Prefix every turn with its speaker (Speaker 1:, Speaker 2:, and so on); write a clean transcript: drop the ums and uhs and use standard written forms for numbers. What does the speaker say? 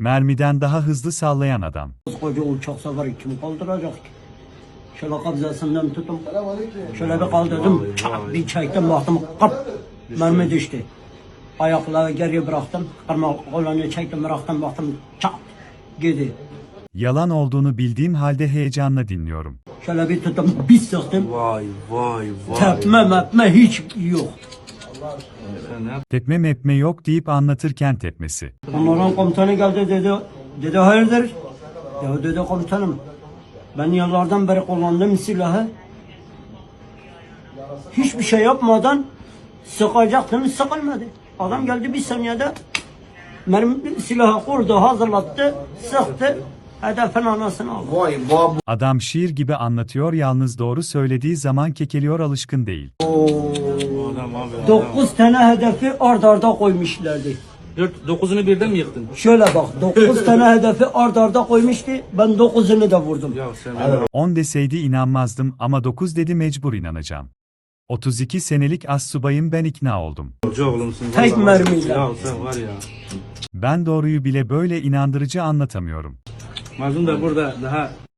Speaker 1: Mermiden daha hızlı sallayan adam.
Speaker 2: Koca uçak seferi kim kaldıracak ki? Şöyle kabzasından tutum. Şöyle bir kaldırdım. Çat bir çektim baktım. Kap. Mermi düştü. Ayakları geriye bıraktım. Kolunu çektim bıraktım baktım. Çat. Gidi.
Speaker 1: Yalan olduğunu bildiğim halde heyecanla dinliyorum.
Speaker 2: Şöyle bir tuttum. Bir sıktım.
Speaker 3: Vay vay vay.
Speaker 2: Tepme mepme hiç yok.
Speaker 1: Tepme mepme yok deyip anlatırken tepmesi.
Speaker 2: Onların komutanı geldi dedi. Dedi hayırdır? Ya dedi komutanım. Ben yıllardan beri kullandığım silahı hiçbir şey yapmadan sıkacaktım, sıkılmadı. Adam geldi bir saniyede silahı kurdu, hazırlattı, sıktı, hedefin anasını aldı.
Speaker 3: Vay vay.
Speaker 1: Adam şiir gibi anlatıyor, yalnız doğru söylediği zaman kekeliyor, alışkın değil.
Speaker 3: Adam abi.
Speaker 2: 9 tane hedefi ard arda koymuşlardı.
Speaker 3: 9'unu birden mi yıktın?
Speaker 2: Şöyle bak, 9 tane hedefi ard arda koymuştu, ben 9'unu da vurdum.
Speaker 3: Ya sen
Speaker 1: 10 deseydi inanmazdım ama 9 dedi, mecbur inanacağım. 32 senelik astsubayım, ben ikna oldum.
Speaker 3: hoca oğlumsun.
Speaker 2: Tek
Speaker 3: vallahi.
Speaker 2: mermiyle.
Speaker 3: Ya sen var ya.
Speaker 1: Ben doğruyu bile böyle inandırıcı anlatamıyorum.
Speaker 3: Mazlum da burada daha